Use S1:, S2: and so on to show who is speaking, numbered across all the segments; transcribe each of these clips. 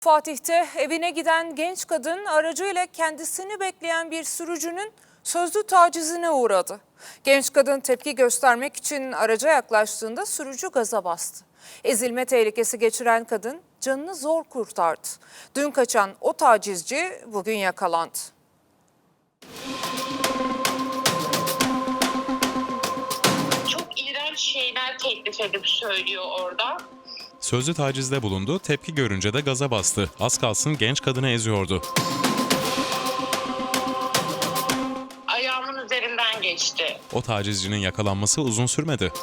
S1: Fatih'te evine giden genç kadın aracıyla kendisini bekleyen bir sürücünün sözlü tacizine uğradı. Genç kadın tepki göstermek için araca yaklaştığında sürücü gaza bastı. Ezilme tehlikesi geçiren kadın canını zor kurtardı. Dün kaçan o tacizci bugün yakalandı.
S2: Çok iğrenç şeyler teklif edip söylüyor orada.
S3: Sözlü tacizde bulundu, tepki görünce de gaza bastı. Az kalsın genç kadını eziyordu.
S2: Ayağımın üzerinden geçti.
S3: O tacizcinin yakalanması uzun sürmedi.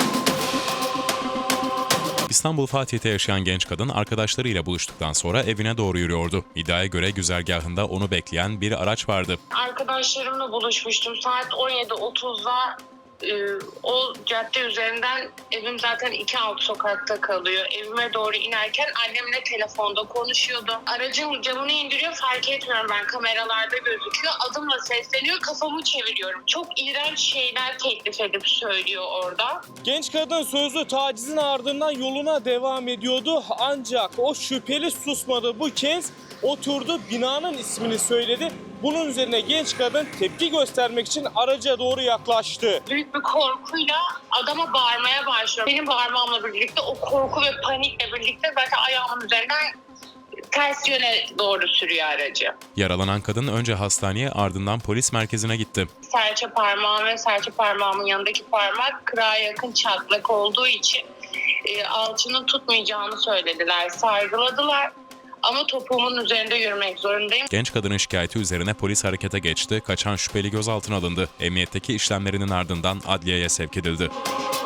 S3: İstanbul Fatih'te yaşayan genç kadın arkadaşlarıyla buluştuktan sonra evine doğru yürüyordu. İddiaya göre güzergahında onu bekleyen bir araç vardı.
S2: Arkadaşlarımla buluşmuştum. Saat 17.30'da o cadde üzerinden, evim zaten 2 alt sokakta kalıyor. Evime doğru inerken annemle telefonda konuşuyordu. Aracın camını indiriyor, fark etmiyorum, ben kameralarda gözüküyor. Adımla sesleniyor, kafamı çeviriyorum. Çok iğrenç şeyler teklif edip söylüyor orada.
S4: Genç kadın sözlü tacizin ardından yoluna devam ediyordu. Ancak o şüpheli susmadı. Bu kez oturdu, binanın ismini söyledi. Bunun üzerine genç kadın tepki göstermek için araca doğru yaklaştı.
S2: Büyük bir korkuyla adama bağırmaya başlıyor. Benim bağırmamla birlikte o korku ve panikle birlikte zaten ayağımın üzerinden ters yöne doğru sürüyor aracı.
S3: Yaralanan kadın önce hastaneye, ardından polis merkezine gitti.
S2: Serçe parmağım ve serçe parmağımın yanındaki parmak kırağa yakın çatlak olduğu için alçının tutmayacağını söylediler, sargıladılar. Ama topuğumun üzerinde yürümek zorundayım.
S3: Genç kadının şikayeti üzerine polis harekete geçti. Kaçan şüpheli gözaltına alındı. Emniyetteki işlemlerinin ardından adliyeye sevk edildi.